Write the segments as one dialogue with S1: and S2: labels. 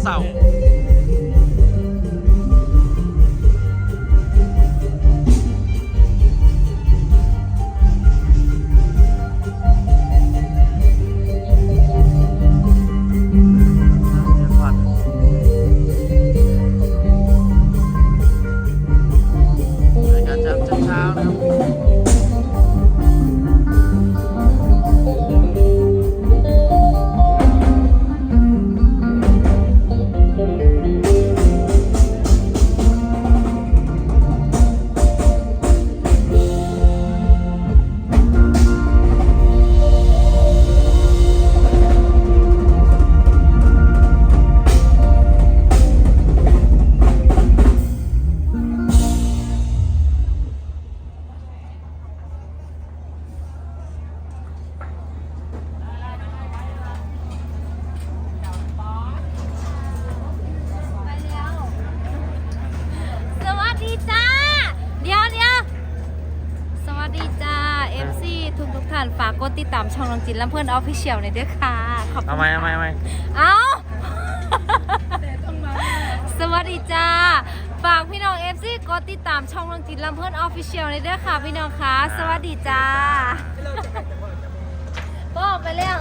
S1: เสาร์
S2: ฝากกดติดตามช่องน้องจินลำเพื่อนออฟฟิเชียลหน่อยด้วยค่ะขอบคุณ
S1: เอาไหม
S2: เอา สวัสดีจ้าฝากพี่น้อง FC กดติดตามช่องน้องจินลำเพื่อนออฟฟิเชียลหน่อยด้วยค่ะพี่น้องค่ะสวัสดีจ้าบอกไปแล้ว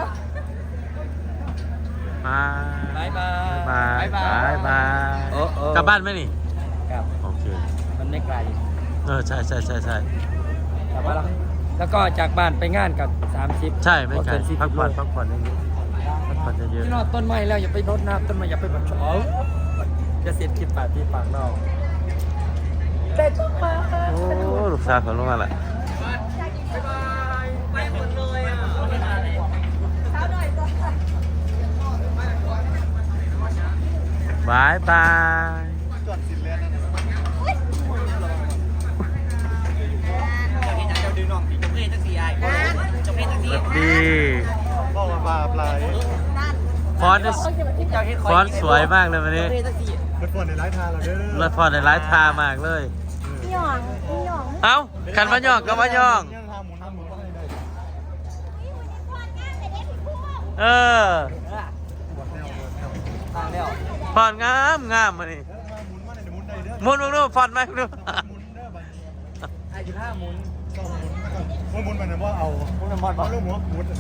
S1: บายบายก
S3: ก
S1: ลับบ้านไหมนี่
S3: ครับ
S1: โอเค
S3: มันไม่ไกล
S1: ใช่
S3: กลับบ้านแล้วก็จากบ้านไปงานกับ30
S1: ใช่ไม่ไกล
S3: 40
S1: พักผ่อนเยอะ
S3: พี่น้องต้นไม้แล้วอย่าไปรดน้ำต้นไม้อย่าไปแบบจะเสียคิดปากที่ปากนอกแต่ต้นไม้
S1: โอ้ลูกสาวเขาลงมาละ
S3: ไปหมดเลยอ่ะ
S1: บายบายดีฟอนต์สวยมากเลยวันนี้
S4: รถฟอนในไลฟ์ทาเราเด้อ
S1: รถฟอนต์ในไลฟ์ทามากเลย
S2: หย่อง
S1: เอ้ากันมาย่องก็มาย่องเออฟอนต์งามมานี่หมุนดูฟอนต์ไหมดู
S3: ไอ้จุดห้าหมุน
S4: หมุนมันนะว่าเอาหมุนมันเอาลูกหมุนหมุน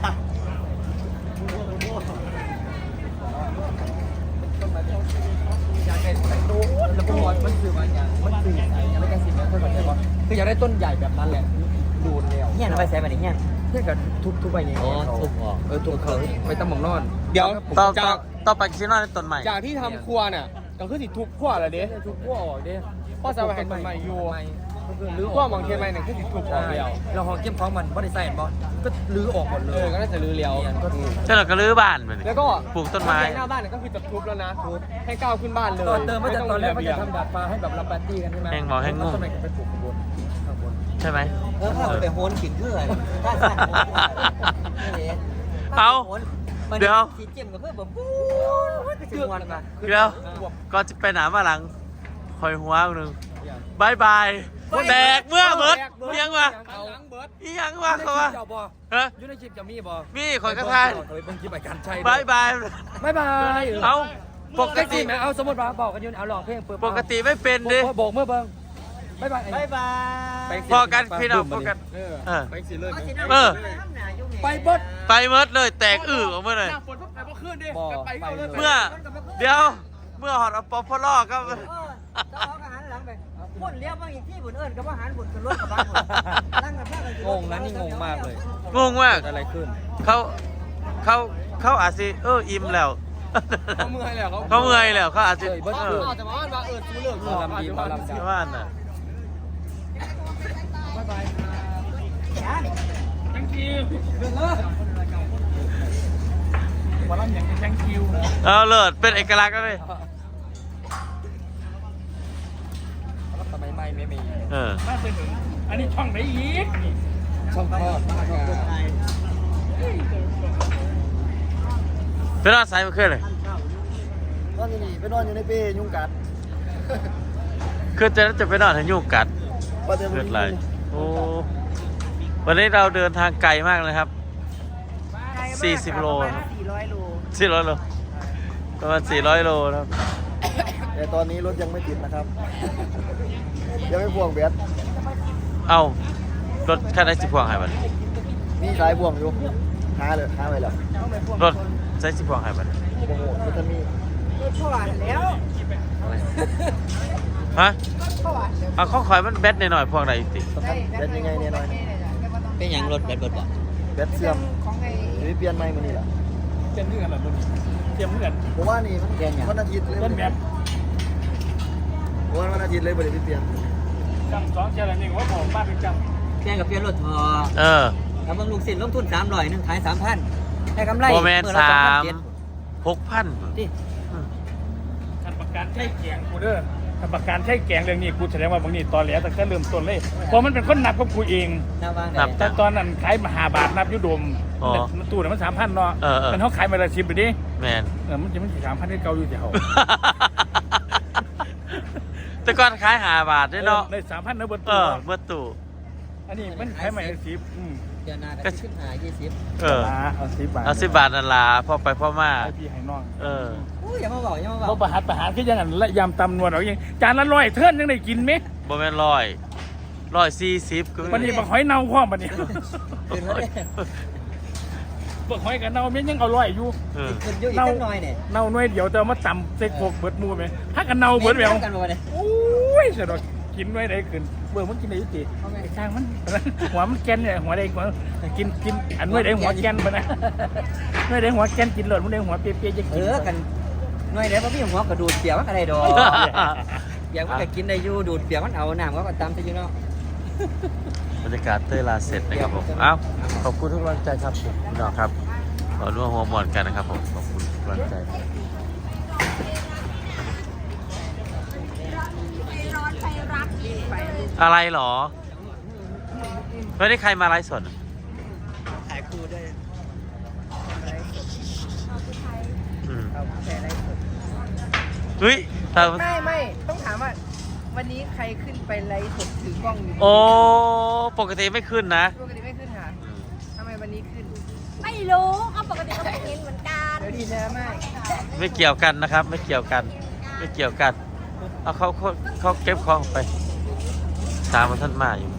S3: อยากได้ต้นแล้วก็มันสื่อมาอย่างมันสื่อใส่ยังไม่กันสิเนี่ยเท่ากับใช่ปะคืออยากได้ต้นใหญ่แบบนั้นแหละดูดแล้ว
S5: เงี้ยเอาไปใส่แบบนี้เงี้ย
S3: เพื่อกับทุบไปอย่างเงี้ย
S5: ทุบออก
S3: ทุบเขาไปตั้งหมองนอน
S1: เดี๋ยวต่อไปคิดว่าในต้นใหม่
S6: จากที่ทำครัวเนี่ยก็คือสิทุบขั้วแล้วเด้
S3: ทุบขั้วออกเด้
S6: พ่อจะไปเห็นต้นใหม่อยู่
S3: รื้อออก
S6: ขั้วมองเทียนใหม่เนี่ยคือสิทุบออกแล้ว
S3: เราห้องเก็บของมันไม่ได้ใส่บอก็รื้อออกหมดเลย
S6: ก็น่าจะรื้อแล้ว
S1: ใช่เราก็รื้อบ้านไป
S6: แล้วก็
S1: ปลูกต้นไม้
S6: หน้าบ้านเนี่ยก็คือจะทุบแล้วนะให้ก้าวขึ้นบ้านเลย
S3: เติมมาจากตอนแรกว่าจะทำดาดฟ้าให้แบบรับปาร์ตี้กันใช่ไหม
S1: แห้งบอกแห้งงง
S3: ต้นไม้ก็ไปปลูกข้างบน
S1: ใช่ไหม
S5: ถ้าไปโหนกินเพื่อน
S1: เอาเดี๋ยว
S5: ขีดเจียมกับเพื่อนแบบ
S1: เดี๋ยวก็จะไปหนามาหลังคอยหัวหนึ่งบายบายแตกเมื่อเบิร์ดยังวะยังวะเขาวะ
S3: ยูในคลิปจะมีบ่
S1: มีคอยกระทาย
S3: เป็นคลิปไปกันใช่
S1: บายบายเอาปกติ
S3: เอาสมมติว่าบอกกันยูเอาลองเพลง
S1: ปกติไม่เป็นดิ
S3: โบกเมื่อเบิ้งบายบาย
S1: พอกันพี่น้องพอกัน
S3: ไปสิเลย
S1: ไปเมิดเลยแตกอื้อออกมาเลยเมื่อเดี๋ยวเมื่อหอดเอาป๊อปพอลก็
S5: คนเลี้ยวบางอีกที่บุญเอิญกับว่าหารบุญกับรถกับบ้าน
S3: งงนะนี่งงมากเลย
S1: งงมาก
S3: อะไรขึ้น
S1: เขาอาจจะอิ่มแล้ว
S6: เขาเมื่อยแล้ว
S1: เขาอาจจะ
S6: แต่ว่าซูเลิก
S3: ลำดีลำดี
S1: ว่าน่ะ
S6: บ๊ายบายแทงคิววันนั้นอย่างแทงคิว
S1: เอาเลิศเป็นเอกลักษณ์เลย
S3: ทำไมไม่มี
S6: น่าจะถึงอันนี้ช่องไหนอีก
S3: ช่องพ่อ
S1: เป็นนอนสายมาขึ้นเลย
S4: นอนอยู่นี่ไปนอนอยู่ในเป้ยุงกัด
S1: คือจะไปนอนให้ยุงกัดเกิดอะไรโอ้วันนี้เราเดินทางไกลมากเลยครับ40 โล400 โลประมาณ400 โลนะครับ
S3: แต่ตอนนี้รถยังไม่ติดนะครับ ยังไม่พ่วงเบียด
S1: เอ้ารถคันไหนสิพวงให้บัด
S3: นี่สายพ่วงอยู่หาเลยหาไปแล้ว
S1: รถใช้สิพวงให้บัด
S3: โอ้โหมันจะมี
S1: ฮะเอาข้อข่อยมันแบตหน่อยๆพวงไหนติ
S3: สำคัญเบียดยังไงเนี่ยน้อย
S5: เป็นอย่างรถแบบรถบ่
S3: เบียดเสื่อมหรือเปลี่ยนใหม่มานี่แหละ
S6: เตรียมเพื่อนหรอมึงเตรียมเพื่อน
S3: ผมว่านี่มันวันอาทิตย์เลย
S6: เต้นแบบ
S3: วันอาทิตย์เลยบ่ได้เปลี่ยน
S6: จำ2เจริญนี่ว่าผมบ้านเป็นจ
S5: แค่กับเปลี่ยนรถพอ
S1: เออ
S5: ทำบำรุงสินลงทุน300นึงขาย 3,000ได้กำไร
S1: โมเมน
S5: มื้อ
S1: สา
S5: ละ
S1: ม
S5: 2,700
S1: 6,000
S5: ที่
S6: ำคันประกันใช้แกงกูเด้อคันประกันใช้แกงเรื่องนี้กูแสดงว่าบางนี่ตอนแหลตั้งแต่เริ่มต้นเลยเพราะมันเป็นคนนับกับกูเอง
S5: หน้าวาง
S1: นับ
S5: ได้
S6: แต่ตอนนั้นขายมา5 บาทนับยุดม
S1: อ๋อ
S6: มันตู้เนี่ยมัน3,000เนาะ
S1: เออ
S6: มันเขาขายมาละ10ไปดิ
S1: แมน
S6: มันจะมันสิ3,000ที่เก่าอยู่ที่เขา
S1: แต่ก่อนขาย5 บาทด้วยเนาะ
S6: ได้3,000นะเบิด
S1: เอ
S6: ตู้
S1: อเมื่อตู่
S6: อันนี้มันขายใหม่10
S5: เดือนหน้าก็ขึ้นหา20
S1: เออ
S6: เอา10 บาท
S1: เอา10 บาทนั่นล่ะพ่อไปพ่อมา
S6: ให้พี่ให้น้อง
S1: เออ
S5: อู้อย่ามาบอกอย่ามาบ
S6: เรา
S5: อก
S6: ประหารคือยังไงและยำตำนวลเอาอย่างจานละ100เทิร์นยังได้กินไหม
S1: บ่แม่น140ก็
S6: วันนี้บักหอยเน่าพร้อมบัดนี้
S5: ขึ้นมาเลย
S6: บักหอยกับเน่าเมียยังเอา100อยู่
S1: เออ
S5: ขึ้นอยู่อีกจักหน่อยเนี่ย
S6: เน่าหน่วยเดียวแต่ว่ามาตำใส่โคกเบิดหมูไหมถ้ากันเน่าเบิดแหวว
S5: กันบ่เนี่ย
S6: โอ้ยเสียดอกกินหน่วยใดขึ้นเบื่อมันกินได้ยุติไอ้ช่างมันหัวมันแกนเนี่ยหัวใดหัวกินอันหน่วยใดหัวแกนปะนะหน่วยใดหัวแกนกินหลดมันใดหัวเปียๆจะกิน
S5: กันหน่วยไหนบ่มีหัวกระดูดเปียกมันก็ได้ดอกอยากมันก็กินได้อยู่ดูดเปียกมันเอาน้ำก็ตามซะอยู่เนาะ
S1: บรรยากาศเต้ยลาเสร็จนะครับผมเอ้าขอบคุณทุกกำลังใจครับผมพี่น้องครับขอร่วมหัวหมอนกันนะครับผมขอบคุณทุกกำลังใจอะไรหรอไม่ได้ใครมาไลฟ์สด
S5: ขายคู่ด้วย
S1: อืมเฮ้ยแต่
S7: ไม่ต้องถามว่าวันนี้ใครขึ้นไปไลฟ์สดถือกล้องอยู่
S1: โอ้ปกติไม่ขึ้นนะ
S7: ปกติไม่ขึ้นค่ะทำไมวันนี้ขึ้น
S2: ไม่รู้เขาปกติก็ไม่เห็นเหมือนกัน
S7: เดี๋ยวดีนะไม่
S1: ไม่เกี่ยวกันนะครับ ไม่เกี่ยวกัน ไม่เกี่ยวกันเอาเขาเก็บของไปตามมาท่านมาอยู่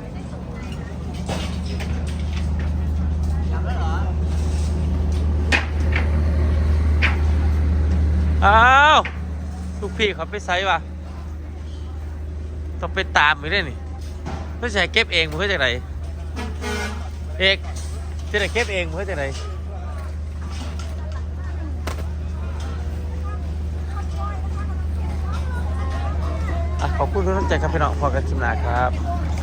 S1: อ้าวลูกพี่เขาไปไซส์วะต้องไปตามอีกได้นี่ไม่ใช่เก็บเองมันเพื่อจากไหนเอกจะได้เก็บเองมันเพื่อจากไหนขอบคุณทุกท่านใจครับพี่น้องพอกันชิมนาครับ